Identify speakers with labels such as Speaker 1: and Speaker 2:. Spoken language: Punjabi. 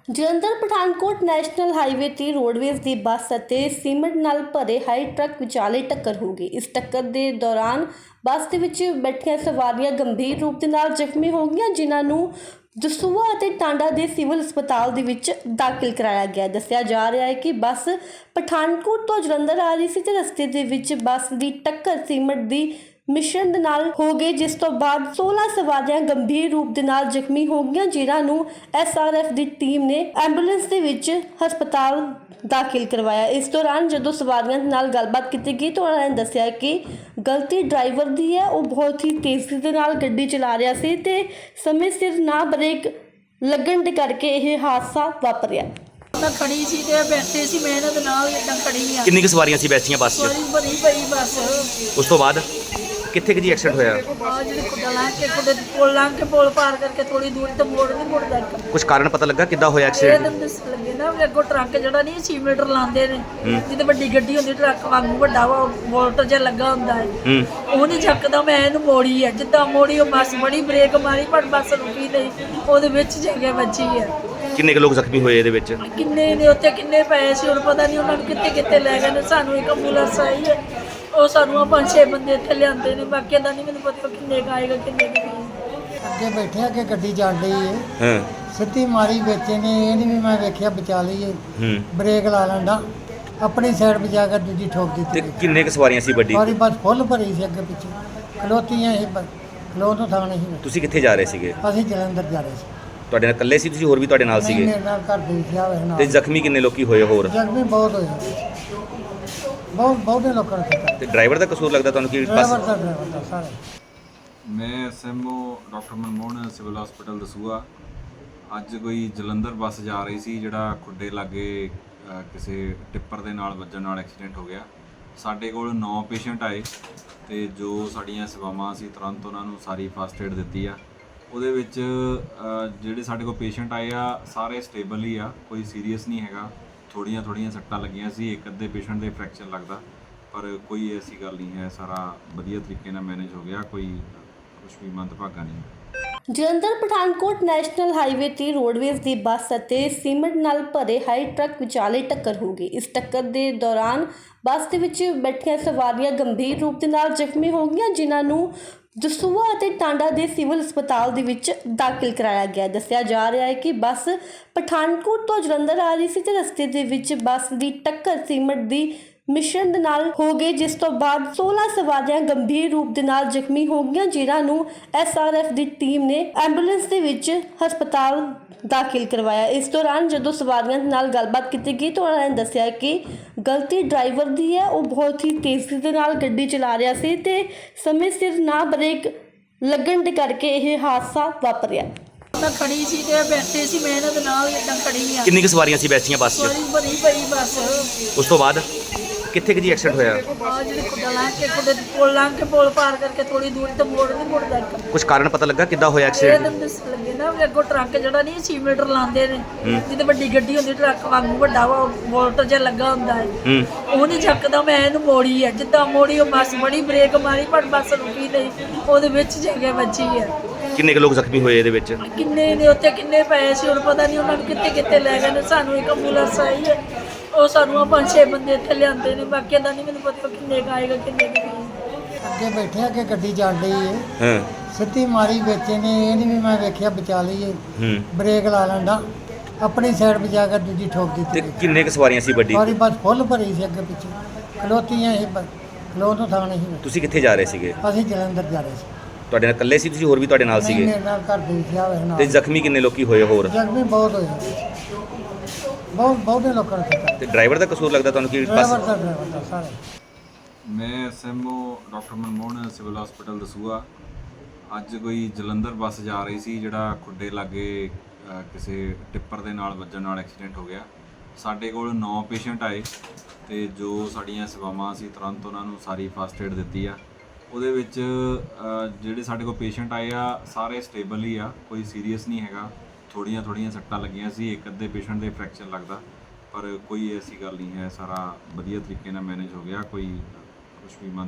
Speaker 1: ਜਲੰਧਰ ਪਠਾਨਕੋਟ ਨੈਸ਼ਨਲ ਹਾਈਵੇ ਤੇ ਰੋਡਵੇਜ਼ ਦੀ ਬੱਸ ਅਤੇ ਸੀਮੈਂਟ ਨਾਲ ਭਰੇ ਹਾਈ ਟਰੱਕ ਵਿਚਾਲੇ ਟੱਕਰ ਹੋ ਗਈ। ਇਸ ਟੱਕਰ ਦੇ ਦੌਰਾਨ ਬੱਸ ਦੇ ਵਿੱਚ ਬੈਠੀਆਂ ਸਵਾਰੀਆਂ ਗੰਭੀਰ ਰੂਪ ਦੇ ਨਾਲ ਜ਼ਖਮੀ ਹੋ ਗਈਆਂ, ਜਿਨ੍ਹਾਂ ਨੂੰ ਦਸੂਹਾ ਅਤੇ ਟਾਂਡਾ ਦੇ ਸਿਵਲ ਹਸਪਤਾਲ ਦੇ ਵਿੱਚ ਦਾਖਲ ਕਰਾਇਆ ਗਿਆ। ਦੱਸਿਆ ਜਾ ਰਿਹਾ ਹੈ ਕਿ ਬੱਸ ਪਠਾਨਕੋਟ ਤੋਂ ਜਲੰਧਰ ਆ ਰਹੀ ਸੀ ਤੇ ਰਸਤੇ ਦੇ ਵਿੱਚ ਬੱਸ ਦੀ ਟੱਕਰ ਸੀਮੈਂਟ ਦੀ ਮਿਸ਼ਰਣ ਦੇ ਨਾਲ ਹੋ ਗਈ, ਜਿਸ ਤੋਂ ਬਾਅਦ 16 ਸਵਾਰੀਆਂ ਗੰਭੀਰ ਰੂਪ ਦੇ ਨਾਲ ਜ਼ਖਮੀ ਹੋ ਗਈਆਂ, ਜਿਨ੍ਹਾਂ ਨੂੰ SRF ਦੀ ਟੀਮ ਨੇ ਐਂਬੂਲੈਂਸ ਦੇ ਵਿੱਚ ਹਸਪਤਾਲ ਦਾਖਲ ਕਰਵਾਇਆ। ਇਸ ਦੌਰਾਨ ਜਦੋਂ ਸਵਾਰੀਆਂ ਦੇ ਨਾਲ ਗੱਲਬਾਤ ਕੀਤੀ ਗਈ ਤਾਂ ਉਹਨਾਂ ਨੇ ਦੱਸਿਆ ਕਿ ਗਲਤੀ ਡਰਾਈਵਰ ਦੀ ਹੈ। ਉਹ ਬਹੁਤ ਹੀ ਤੇਜ਼ੀ ਦੇ ਨਾਲ ਗੱਡੀ ਚਲਾ ਰਿਹਾ ਸੀ ਤੇ ਸਮੇਂ ਸਿਰ ਨਾ ਬ੍ਰੇਕ ਲੱਗਣ ਦੇ ਕਰਕੇ ਇਹ ਹਾਦਸਾ ਵਾਪਰਿਆ।
Speaker 2: ਮੈਂ ਖੜੀ ਸੀ ਤੇ ਬੈਠੇ ਸੀ, ਮੈਂ ਇਹਨਾਂ ਦੇ ਨਾਲ ਇਦਾਂ ਖੜੀ ਆ।
Speaker 3: ਕਿੰਨੀ ਕੁ ਸਵਾਰੀਆਂ ਸੀ ਬੈਠੀਆਂ ਬੱਸ 'ਚ?
Speaker 2: ਸਵਾਰੀ ਭਰੀ ਪਈ ਬੱਸ।
Speaker 3: ਉਸ ਤੋਂ ਬਾਅਦ ਕਿੱਥੇ ਕਿ ਜੀ ਐਕਸੀਡੈਂਟ ਹੋਇਆ?
Speaker 2: ਆ ਜਿਹੜੇ ਕੁੱਡਾ ਲਾਂ ਕੇ ਪੁਲ ਪਾਰ ਕਰਕੇ ਥੋੜੀ ਦੂਰ ਤੇ ਮੋੜ ਨਹੀਂ ਮੁੜਦਾ।
Speaker 3: ਕੁਝ ਕਾਰਨ ਪਤਾ ਲੱਗਾ ਕਿੱਦਾਂ ਹੋਇਆ
Speaker 2: ਇਹ
Speaker 3: ਐਕਸੀਡੈਂਟ?
Speaker 2: ਤਾਂ ਦੱਸ ਲੱਗੇ ਨਾ ਵੀ ਅੱਗੋਂ ਟਰੱਕ ਜਿਹੜਾ ਨਹੀਂ 6 ਮੀਟਰ ਲਾਉਂਦੇ ਨੇ, ਜਿੱਦੇ ਵੱਡੀ ਗੱਡੀ ਹੁੰਦੀ ਟਰੱਕ ਵਾਂਗੂ ਵੱਡਾ ਵਾ ਵੋਲਟ ਜਿਹਾ ਲੱਗਾ ਹੁੰਦਾ ਹੈ, ਉਹ ਨਹੀਂ ਚੱਕਦਾ। ਮੈਂ ਇਹਨੂੰ ਮੋੜੀ ਹੈ, ਜਿੱਦਾਂ ਮੋੜੀ ਉਹ ਬੱਸ ਬੜੀ ਬ੍ਰੇਕ ਮਾਰੀ ਪਰ ਬੱਸ ਰੁਕੀ ਨਹੀਂ, ਉਹਦੇ ਵਿੱਚ ਜਾ ਕੇ ਵੱਜੀ ਹੈ।
Speaker 3: ਕਿੰਨੇ ਕੁ ਲੋਕ ਜ਼ਖਮੀ ਹੋਏ ਇਹਦੇ ਵਿੱਚ?
Speaker 2: ਕਿੰਨੇ ਨੇ ਉੱਥੇ ਕਿੰਨੇ ਪਏ ਸੀ ਹੁਣ ਪਤਾ ਨਹੀਂ, ਉਹਨਾਂ ਨੂੰ ਕਿੱਥੇ ਕਿੱਥੇ ਲੈ ਗਏ ਨੇ। ਸਾਨੂੰ ਇੱਕ ਐਂਬੂਲੈਂਸ ਆਈ ਹੈ, ਉਹ ਸਾਨੂੰ 5-6 ਬੰਦੇ ਇੱਥੇ ਲਿਆਂਦੇ ਨੇ, ਬਾਕੀ ਦਾ ਨਹੀਂ ਮੈਨੂੰ ਪਤਾ ਕਿੰਨੇ ਕੁ ਆਏਗਾ ਕਿੰਨੇ ਕੁ ਨਹੀਂ।
Speaker 4: ਅੱਗੇ ਬੈਠੇ ਆ ਕਿ ਗੱਡੀ ਚੱਲ ਰਹੀ ਹੈ,
Speaker 3: ਹਾਂ
Speaker 4: ਸਿੱਧੀ ਮਾਰੀ ਵਿੱਚ ਨੇ, ਇਹ ਨਹੀਂ ਵੀ ਮੈਂ ਵੇਖਿਆ ਬਚਾ ਲਈਏ, ਬ੍ਰੇਕ ਲਾ ਲੈਂਦਾ, ਆਪਣੀ ਸਾਈਡ ਬਚਾ ਕੇ ਦੂਜੀ ਠੋਕ
Speaker 3: ਤੇ
Speaker 4: ਦਿੱਤੀ।
Speaker 3: ਕਿੰਨੇ ਕੁ ਸਵਾਰੀਆਂ ਸੀ ਵੱਡੀ?
Speaker 4: ਸਾਰੀ ਬੱਸ ਫੁੱਲ ਭਰੀ ਸੀ, ਅੱਗੇ ਪਿੱਛੇ ਖਲੋਤੀਆਂ ਸੀ, ਖਲੋ ਤੋਂ ਥਾਂ ਨਹੀਂ ਸੀ।
Speaker 3: ਤੁਸੀਂ ਕਿੱਥੇ ਜਾ ਰਹੇ ਸੀਗੇ?
Speaker 4: ਅਸੀਂ ਜਲੰਧਰ ਜਾ ਰਹੇ ਸੀ।
Speaker 3: ਤੁਹਾਡੇ ਨਾਲ ਇਕੱਲੇ ਸੀ ਤੁਸੀਂ, ਹੋਰ ਵੀ ਤੁਹਾਡੇ ਨਾਲ
Speaker 4: ਨਹੀਂ,
Speaker 3: ਸੀਗੇ?
Speaker 4: ਮੇਰੇ ਨਾਲ ਘਰ ਦੇ ਵਿਖਿਆ ਹੋਇਆ ਨਾਲ।
Speaker 3: ਤੇ ਜ਼ਖਮੀ ਕਿੰਨੇ ਲੋਕੀ ਹੋਏ ਹੋਰ?
Speaker 4: ਜ਼ਖਮੀ ਬਹੁਤ ਹੋਏ, ਬਹੁਤੇ ਲੋਕਾਂ ਨੇ।
Speaker 3: ਤੇ ਡਰਾਈਵਰ ਦਾ ਕਸੂਰ ਲੱਗਦਾ ਤੁਹਾਨੂੰ ਕਿ
Speaker 4: ਡਰਾਈਵਰ
Speaker 3: ਬੱਸ?
Speaker 4: ਦਾ ਸਾਰੇ।
Speaker 5: ਮੈਂ SMO doctor Manmohan civil hospital Dasuya. ਅੱਜ ਕੋਈ ਜਲੰਧਰ ਬੱਸ ਜਾ ਰਹੀ ਸੀ, ਜਿਹੜਾ ਖੁੱਡੇ ਲਾਗੇ ਕਿਸੇ ਟਿੱਪਰ ਦੇ ਨਾਲ ਵੱਜਣ ਨਾਲ ਐਕਸੀਡੈਂਟ ਹੋ ਗਿਆ। ਸਾਡੇ ਕੋਲ 9 ਪੇਸ਼ੈਂਟ ਆਏ ਤੇ ਜੋ ਸਾਡੀਆਂ ਸੇਵਾਵਾਂ ਸੀ ਤੁਰੰਤ ਉਹਨਾਂ ਨੂੰ ਸਾਰੀ ਫਸਟ ਏਡ ਦਿੱਤੀ ਆ। ਉਹਦੇ ਵਿੱਚ ਜਿਹੜੇ ਸਾਡੇ ਕੋਲ ਪੇਸ਼ੈਂਟ ਆਏ ਆ ਸਾਰੇ ਸਟੇਬਲ ਹੀ ਆ, ਕੋਈ ਸੀਰੀਅਸ ਨਹੀਂ ਹੈਗਾ। ਥੋੜੀਆਂ ਸੱਟਾਂ ਲੱਗੀਆਂ ਸੀ, ਇੱਕ ਅੱਧੇ ਪੇਸ਼ੈਂਟ ਦੇ ਫ੍ਰੈਕਚਰ ਲੱਗਦਾ, ਪਰ ਕੋਈ ਐਸੀ ਗੱਲ ਨਹੀਂ ਹੈ। ਸਾਰਾ ਵਧੀਆ ਤਰੀਕੇ ਨਾਲ ਮੈਨੇਜ ਹੋ ਗਿਆ, ਕੋਈ ਕੁਝ ਵੀ ਮੰਦਭਾਗਾ ਨਹੀਂ।
Speaker 1: ਜਲੰਧਰ ਪਠਾਨਕੋਟ ਨੈਸ਼ਨਲ ਹਾਈਵੇ ਤੇ ਰੋਡਵੇਜ਼ ਦੀ ਬੱਸ ਅਤੇ ਸੀਮੈਂਟ ਨਾਲ ਭਰੇ ਹਾਈ ਟਰੱਕ ਵਿਚਾਲੇ ਟੱਕਰ ਹੋ ਗਈ। ਇਸ ਟੱਕਰ ਦੇ ਦੌਰਾਨ ਬੱਸ ਦੇ ਵਿੱਚ ਬੈਠੀਆਂ ਸਵਾਰੀਆਂ ਗੰਭੀਰ ਰੂਪ ਦੇ ਨਾਲ ਜ਼ਖਮੀ ਹੋ ਗਈਆਂ, ਜਿਨ੍ਹਾਂ ਨੂੰ ਦਸੂਹਾ ਅਤੇ ਟਾਂਡਾ ਦੇ ਸਿਵਲ ਹਸਪਤਾਲ ਦੇ ਵਿੱਚ ਦਾਖਲ ਕਰਾਇਆ ਗਿਆ। ਦੱਸਿਆ ਜਾ ਰਿਹਾ ਹੈ ਕਿ ਬੱਸ ਪਠਾਨਕੋਟ ਤੋਂ ਜਲੰਧਰ ਆ ਰਹੀ ਸੀ ਤੇ ਰਸਤੇ ਦੇ ਵਿੱਚ ਬੱਸ ਦੀ ਟੱਕਰ ਸੀਮੈਂਟ ਦੀ ਮਿਸ਼ਰਣ ਦੇ ਨਾਲ ਹੋ ਗਈ, ਜਿਸ ਤੋਂ ਬਾਅਦ 16 ਸਵਾਰੀਆਂ ਗੰਭੀਰ ਰੂਪ ਦੇ ਨਾਲ ਜ਼ਖਮੀ ਹੋ ਗਈਆਂ, ਜਿਨ੍ਹਾਂ ਨੂੰ SRF ਦੀ ਟੀਮ ਨੇ ਐਂਬੂਲੈਂਸ ਦੇ ਵਿੱਚ ਹਸਪਤਾਲ ਦਾਖਲ ਕਰਵਾਇਆ। ਇਸ ਦੌਰਾਨ ਜਦੋਂ ਸਵਾਰੀਆਂ ਦੇ ਨਾਲ ਗੱਲਬਾਤ ਕੀਤੀ ਗਈ ਤਾਂ ਉਹਨਾਂ ਨੇ ਦੱਸਿਆ ਕਿ ਗਲਤੀ ਡਰਾਈਵਰ ਦੀ ਹੈ। ਉਹ ਬਹੁਤ ਹੀ ਤੇਜ਼ੀ ਦੇ ਨਾਲ ਗੱਡੀ ਚਲਾ ਰਿਹਾ ਸੀ ਤੇ ਸਮੇਂ ਸਿਰ ਨਾ ਬ੍ਰੇਕ ਲੱਗਣ ਦੇ ਕਰਕੇ ਇਹ ਹਾਦਸਾ ਵਾਪਰਿਆ।
Speaker 2: ਮੈਂ ਖੜੀ ਸੀ ਤੇ ਬੈਠੇ ਸੀ, ਮੈਂ ਇਹਨਾਂ ਦੇ ਨਾਲ ਇਦਾਂ ਖੜੀ ਆ।
Speaker 3: ਕਿੰਨੀ ਕੁ ਸਵਾਰੀਆਂ ਸੀ ਬੈਠੀਆਂ ਬੱਸ 'ਚ?
Speaker 2: ਸਵਾਰੀ ਭਰੀ ਪਈ ਬੱਸ।
Speaker 3: ਉਸ ਤੋਂ ਬਾਅਦ ਕਿੱਥੇ ਕਿ ਜੀ ਐਕਸੀਡੈਂਟ ਹੋਇਆ?
Speaker 2: ਆ ਜਿਹੜੇ ਕੁੱਡਾ ਲਾਂ ਕੇ ਪੁਲ ਪਾਰ ਕਰਕੇ ਥੋੜੀ ਦੂਰ ਤੇ ਮੋੜ ਨਹੀਂ ਮੁੜਦਾ।
Speaker 3: ਕੁਝ ਕਾਰਨ ਪਤਾ ਲੱਗਾ ਕਿੱਦਾਂ ਹੋਇਆ
Speaker 2: ਇਹ
Speaker 3: ਐਕਸੀਡੈਂਟ?
Speaker 2: ਤਾਂ ਦੱਸ ਲੱਗੇ ਨਾ ਵੀ ਅੱਗੋਂ ਟਰੱਕ ਜਿਹੜਾ ਨਹੀਂ 6 ਮੀਟਰ ਲਾਉਂਦੇ ਨੇ, ਜਿੱਦੇ ਵੱਡੀ ਗੱਡੀ ਹੁੰਦੀ ਟਰੱਕ ਵਾਂਗੂ ਵੱਡਾ ਵਾ ਵੋਲਟ ਜਿਹਾ ਲੱਗਾ ਹੁੰਦਾ ਹੈ, ਉਹ ਨਹੀਂ ਚੱਕਦਾ। ਮੈਂ ਇਹਨੂੰ ਮੋੜੀ ਹੈ, ਜਿੱਦਾਂ ਮੋੜੀ ਉਹ ਬੱਸ ਬੜੀ ਬ੍ਰੇਕ ਮਾਰੀ ਪਰ ਬੱਸ ਰੁਕੀ ਨਹੀਂ, ਉਹਦੇ ਵਿੱਚ ਜਾ ਕੇ ਵੱਜੀ ਹੈ।
Speaker 3: ਕਿੰਨੇ ਕੁ ਲੋਕ ਜ਼ਖਮੀ ਹੋਏ ਇਹਦੇ ਵਿੱਚ?
Speaker 2: ਕਿੰਨੇ ਨੇ ਉੱਥੇ ਕਿੰਨੇ ਪਏ ਸੀ ਹੁਣ ਪਤਾ ਨਹੀਂ, ਉਹਨਾਂ ਨੂੰ ਕਿੱਥੇ ਕਿੱਥੇ ਲੈ ਗਏ ਨੇ। ਸਾਨੂੰ ਇੱਕ ਐਂਬੂਲੈਂਸ ਆਈ ਹੈ, ਉਹ ਸਾਨੂੰ 5-6 ਬੰਦੇ ਇੱਥੇ ਲਿਆਂਦੇ ਨੇ, ਬਾਕੀ ਦਾ ਨਹੀਂ ਮੈਨੂੰ ਪਤਾ ਕਿੰਨੇ ਕੁ ਆਏਗਾ ਕਿੰਨੇ ਕੁ ਨਹੀਂ।
Speaker 4: ਅੱਗੇ ਬੈਠੇ ਆ ਕਿ ਗੱਡੀ ਚੱਲ ਰਹੀ ਹੈ,
Speaker 3: ਹਾਂ
Speaker 4: ਸਿੱਧੀ ਮਾਰੀ ਵਿੱਚ ਨੇ, ਇਹ ਨਹੀਂ ਵੀ ਮੈਂ ਵੇਖਿਆ ਬਚਾ ਲਈਏ, ਬ੍ਰੇਕ ਲਾ ਲੈਂਦਾ, ਆਪਣੀ ਸਾਈਡ ਬਚਾ ਕੇ ਦੂਜੀ ਠੋਕ
Speaker 3: ਤੇ
Speaker 4: ਦਿੱਤੀ।
Speaker 3: ਕਿੰਨੇ ਕੁ ਸਵਾਰੀਆਂ ਸੀ ਵੱਡੀ?
Speaker 4: ਸਾਰੀ ਬੱਸ ਫੁੱਲ ਭਰੀ ਸੀ, ਅੱਗੇ ਪਿੱਛੇ ਖਲੋਤੀਆਂ ਸੀ, ਖਲੋ ਤੋਂ ਥਾਂ ਨਹੀਂ ਸੀ।
Speaker 3: ਤੁਸੀਂ ਕਿੱਥੇ ਜਾ ਰਹੇ ਸੀਗੇ?
Speaker 4: ਅਸੀਂ ਜਲੰਧਰ ਜਾ ਰਹੇ ਸੀ।
Speaker 3: ਤੁਹਾਡੇ ਨਾਲ ਇਕੱਲੇ ਸੀ ਤੁਸੀਂ, ਹੋਰ ਵੀ ਤੁਹਾਡੇ ਨਾਲ
Speaker 4: ਨਹੀਂ,
Speaker 3: ਸੀਗੇ?
Speaker 4: ਮੇਰੇ ਨਾਲ ਘਰ ਦੇ ਵਿਖਿਆ ਹੋਇਆ
Speaker 3: ਤੇ
Speaker 4: ਨਾਲ।
Speaker 3: ਜ਼ਖਮੀ ਕਿੰਨੇ ਲੋਕੀ ਹੋਏ ਹੋਰ?
Speaker 4: ਜ਼ਖਮੀ ਬਹੁਤ ਹੋਏ, ਬਹੁਤੇ ਲੋਕਾਂ ਨੇ।
Speaker 3: ਤੇ ਡਰਾਈਵਰ ਦਾ ਕਸੂਰ ਲੱਗਦਾ ਤੁਹਾਨੂੰ ਕਿ
Speaker 4: ਡਰਾਈਵਰ
Speaker 3: ਬੱਸ?
Speaker 4: ਦਾ ਸਾਰੇ।
Speaker 5: ਮੈਂ SMO doctor Manmohan civil hospital Dasuya. ਅੱਜ ਕੋਈ ਜਲੰਧਰ ਬੱਸ ਜਾ ਰਹੀ ਸੀ, ਜਿਹੜਾ ਖੁੱਡੇ ਲਾਗੇ ਕਿਸੇ ਟਿੱਪਰ ਦੇ ਨਾਲ ਵੱਜਣ ਨਾਲ ਐਕਸੀਡੈਂਟ ਹੋ ਗਿਆ। ਸਾਡੇ ਕੋਲ 9 ਪੇਸ਼ੈਂਟ ਆਏ ਤੇ ਜੋ ਸਾਡੀਆਂ ਸੇਵਾਵਾਂ ਸੀ ਤੁਰੰਤ ਉਹਨਾਂ ਨੂੰ ਸਾਰੀ ਫਸਟ ਏਡ ਦਿੱਤੀ ਆ। ਉਹਦੇ ਵਿੱਚ ਜਿਹੜੇ ਸਾਡੇ ਕੋਲ ਪੇਸ਼ੈਂਟ ਆਏ ਆ ਸਾਰੇ ਸਟੇਬਲ ਹੀ ਆ, ਕੋਈ ਸੀਰੀਅਸ ਨਹੀਂ ਹੈਗਾ। ਥੋੜੀਆਂ ਸੱਟਾਂ ਲੱਗੀਆਂ ਸੀ, ਇੱਕ ਅੱਧੇ ਪੇਸ਼ੈਂਟ ਦੇ ਫ੍ਰੈਕਚਰ ਲੱਗਦਾ, ਪਰ ਕੋਈ ਐਸੀ ਗੱਲ ਨਹੀਂ ਹੈ। ਸਾਰਾ ਵਧੀਆ ਤਰੀਕੇ ਨਾਲ ਮੈਨੇਜ ਹੋ ਗਿਆ, ਕੋਈ ਕੁਝ ਵੀ